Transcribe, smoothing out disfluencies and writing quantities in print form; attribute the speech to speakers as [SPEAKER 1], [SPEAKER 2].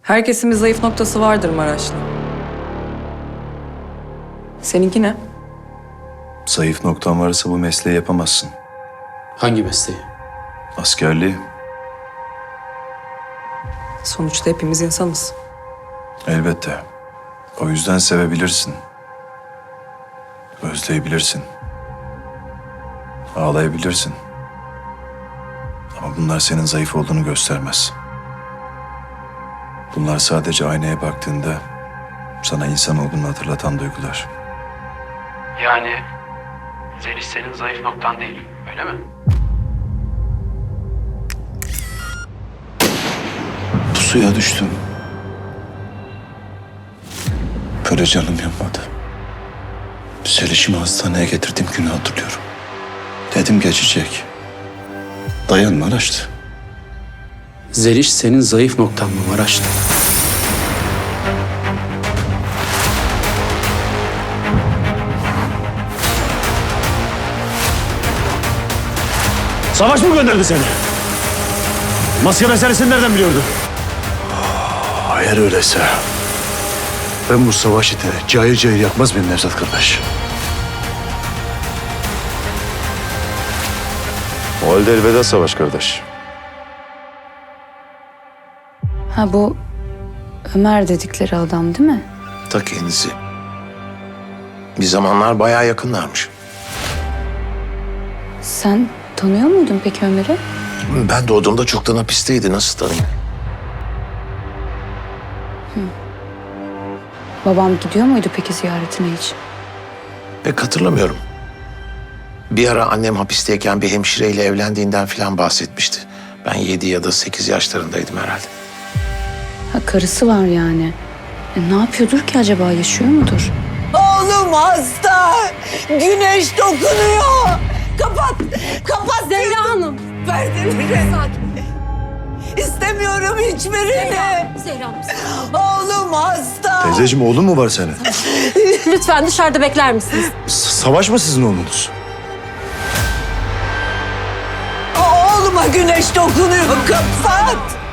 [SPEAKER 1] Herkesin bir zayıf noktası vardır Maraşlı. Seninki ne?
[SPEAKER 2] Zayıf noktan varsa bu mesleği yapamazsın.
[SPEAKER 3] Hangi mesleği?
[SPEAKER 2] Askerliği.
[SPEAKER 1] Sonuçta hepimiz insanız.
[SPEAKER 2] Elbette. O yüzden sevebilirsin. Özleyebilirsin. Ağlayabilirsin. Ama bunlar senin zayıf olduğunu göstermez. Bunlar sadece aynaya baktığında sana insan olduğunu hatırlatan duygular.
[SPEAKER 3] Yani Zeliş senin zayıf noktan değil, öyle mi?
[SPEAKER 2] Pusuya düştüm. Böyle canım yanmadı. Selişimi hastaneye getirdiğim günü hatırlıyorum. Dedim geçecek. Dayan Maraşlı.
[SPEAKER 3] Zeliş senin zayıf noktan mı Maraşlı?
[SPEAKER 4] Savaş mı gönderdi seni? Maske meselesini nereden biliyordu?
[SPEAKER 2] Eğer öyleyse ben bu savaşı da cayır cayır yakmaz mıyım Nevzat kardeş? O halde elveda savaş kardeş.
[SPEAKER 5] Ha bu Ömer dedikleri adam değil mi?
[SPEAKER 6] Ta kendisi. Bir zamanlar bayağı yakınlarmış.
[SPEAKER 5] Sen tanıyor muydun peki Ömer'i?
[SPEAKER 6] Ben doğduğumda çoktan hapisteydi. Nasıl tanıyayım?
[SPEAKER 5] Babam gidiyor muydu peki ziyaretine hiç?
[SPEAKER 6] Pek hatırlamıyorum. Bir ara annem hapisteyken bir hemşireyle evlendiğinden falan bahsetmişti. Ben 7 ya da 8 yaşlarındaydım herhalde.
[SPEAKER 5] Ha karısı var yani. Ne yapıyordur ki acaba, yaşıyor mudur?
[SPEAKER 7] Oğlum hasta. Güneş dokunuyor. Kapat. Kapat.
[SPEAKER 8] Zehra Hanım.
[SPEAKER 7] Perdeleri. İstemiyorum hiçbirini.
[SPEAKER 8] Zehra Hanım.
[SPEAKER 7] Oğlum hasta.
[SPEAKER 2] Teyzeciğim oğlun mu var senin?
[SPEAKER 8] Lütfen dışarıda bekler misiniz?
[SPEAKER 2] Savaş mı sizin oğlunuz?
[SPEAKER 7] Oğluma güneş dokunuyor. Kapat.